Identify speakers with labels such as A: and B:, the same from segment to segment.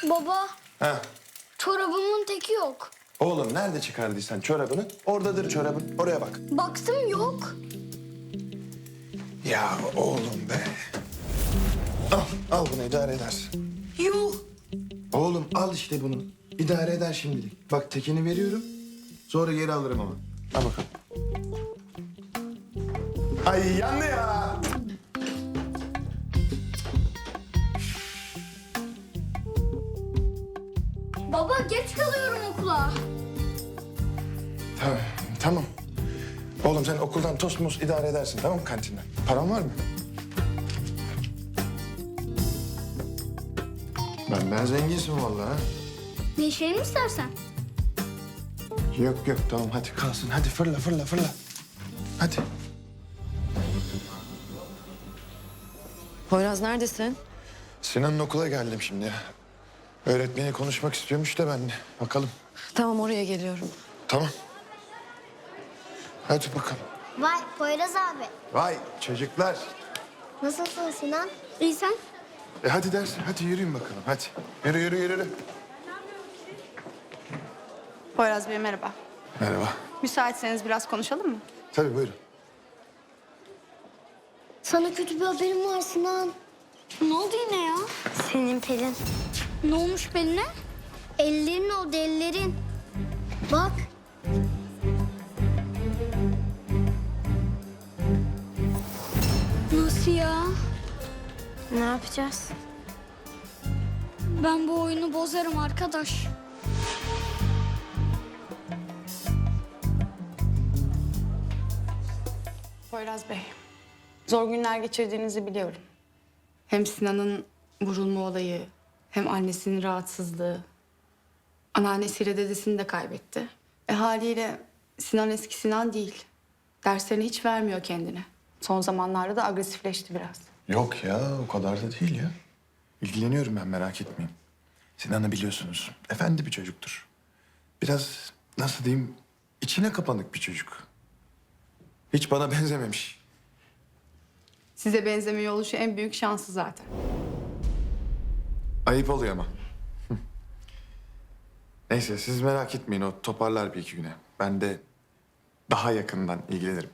A: Baba,
B: Ha.
A: çorabımın teki yok.
B: Oğlum nerede çıkardıysan çorabını? Oradadır çorabın. Oraya bak.
A: Baktım yok.
B: Ya oğlum be. Al bunu idare edersin.
A: Yuh.
B: Oğlum al işte bunu. İdare eder şimdilik. Bak tekini veriyorum. Sonra geri alırım ama. Al bakalım. Ay yandı ya.
A: Baba geç kalıyorum okula.
B: Tamam, tamam. Oğlum sen okuldan tost muz idare edersin tamam mı kantinden? Paran var mı? Ben zenginsin vallahi. Ha?
A: Değişelim mi istersen?
B: Yok yok tamam hadi kalsın. Hadi fırla fırla fırla. Hadi.
C: Poyraz neredesin?
B: Sinan'ın okula geldim şimdi ya. Öğretmeni konuşmak istiyormuş da ben de. Bakalım.
C: Tamam oraya geliyorum.
B: Tamam. Hadi bakalım.
D: Vay Poyraz abi.
B: Vay çocuklar.
D: Nasılsın Sinan?
A: İyi sen?
B: Hadi ders. Hadi yürüyün bakalım. Hadi. Yürü yürü yürü.
E: Poyraz Bey merhaba.
B: Merhaba.
E: Müsaitseniz biraz konuşalım mı?
B: Tabii buyurun.
D: Sana kötü bir haberim var Sinan.
A: Ne oldu yine ya?
D: Senin Pelin.
A: Ne olmuş beline?
D: Ellerin oldu ellerin. Bak.
A: Nasıl ya?
D: Ne yapacağız?
A: Ben bu oyunu bozarım arkadaş.
E: Poyraz Bey, zor günler geçirdiğinizi biliyorum. Hem Sinan'ın vurulma olayı, hem annesinin rahatsızlığı. Anneannesiyle dedesini de kaybetti. Haliyle Sinan eski Sinan değil. Derslerini hiç vermiyor kendine. Son zamanlarda da agresifleşti biraz.
B: Yok ya o kadar da değil ya. İlgileniyorum ben merak etmeyin. Sinan'ı biliyorsunuz. Efendi bir çocuktur. Biraz nasıl diyeyim içine kapanık bir çocuk. Hiç bana benzememiş.
E: Size benzemiyor oluşu en büyük şansı zaten.
B: Ayıp oluyor ama. Neyse siz merak etmeyin o toparlar bir iki güne. Ben de daha yakından ilgilenirim.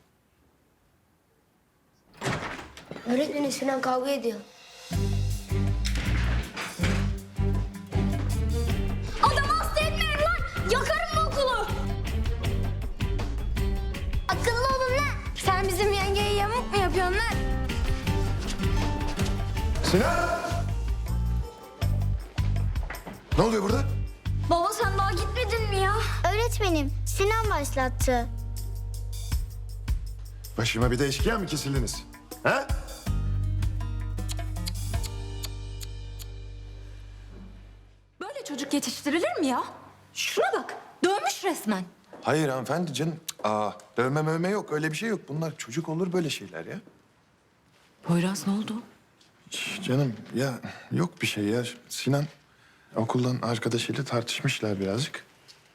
D: Öğretmenim Sinan kavga ediyor.
A: Adamı hasta etmeyin lan! Yakarım bu okulu!
D: Akıllı olun lan. Sen bizim yengeye yamuk mu yapıyorsun lan?
B: Sinan! Ne oluyor burada?
A: Baba sen daha gitmedin mi ya?
D: Öğretmenim Sinan başlattı.
B: Başıma bir de eşkıya mı kesildiniz? Ha?
F: Böyle çocuk yetiştirilir mi ya? Şuna bak, dövmüş resmen.
B: Hayır hanımefendi canım. Dövme mövme yok öyle bir şey yok. Bunlar çocuk olur böyle şeyler ya.
C: Poyraz ne oldu?
B: Canım ya yok bir şey ya. Sinan okuldan arkadaşıyla tartışmışlar birazcık.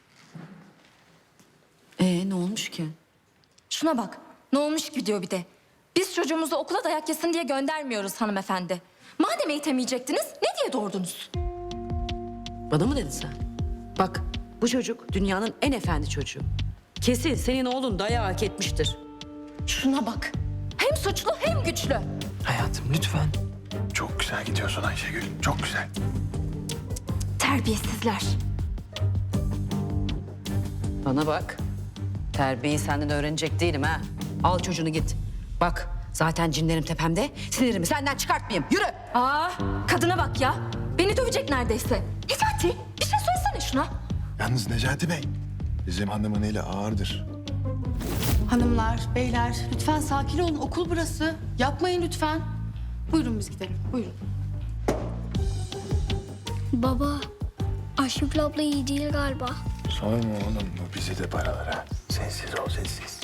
C: Ne olmuş ki?
F: Şuna bak, ne olmuş ki diyor bir de. Biz çocuğumuzu okula dayak yesin diye göndermiyoruz hanımefendi. Madem eğitemeyecektiniz, ne diye doğurdunuz?
C: Bana mı dedin sen? Bak bu çocuk dünyanın en efendi çocuğu. Kesin senin oğlun dayağı hak etmiştir.
F: Şuna bak, hem suçlu hem güçlü.
B: Hayatım lütfen. Çok güzel gidiyorsun Ayşegül. Çok güzel.
F: Terbiyesizler.
C: Bana bak. Terbiyeyi senden öğrenecek değilim ha. Al çocuğunu git. Bak zaten cinlerim tepemde. Sinirimi senden çıkartmayayım. Yürü.
F: Kadına bak ya. Beni dövecek neredeyse. Necati, bir şey söylesene şuna.
B: Yalnız Necati Bey bizim hanımın eli ağırdır.
E: Hanımlar, beyler lütfen sakin olun. Okul burası. Yapmayın lütfen. Buyurun biz gidelim. Buyurun.
A: Baba, Ayşegül abla iyi değil galiba.
B: Sorma oğlum bu bizi de paralar ha. Sessiz ol sessiz.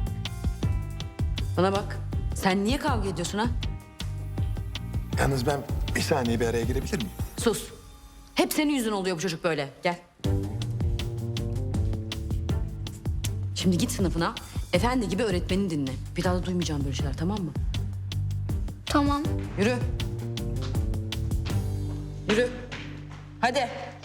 C: Bana bak. Sen niye kavga ediyorsun ha?
B: Yalnız ben bir saniye bir araya girebilir miyim?
C: Sus. Hep senin yüzün oluyor bu çocuk böyle. Gel. Şimdi git sınıfına. Efendi gibi öğretmenini dinle. Bir daha da duymayacağım böyle şeyler tamam mı?
A: Tamam.
C: Yürü. Yürü. Hadi.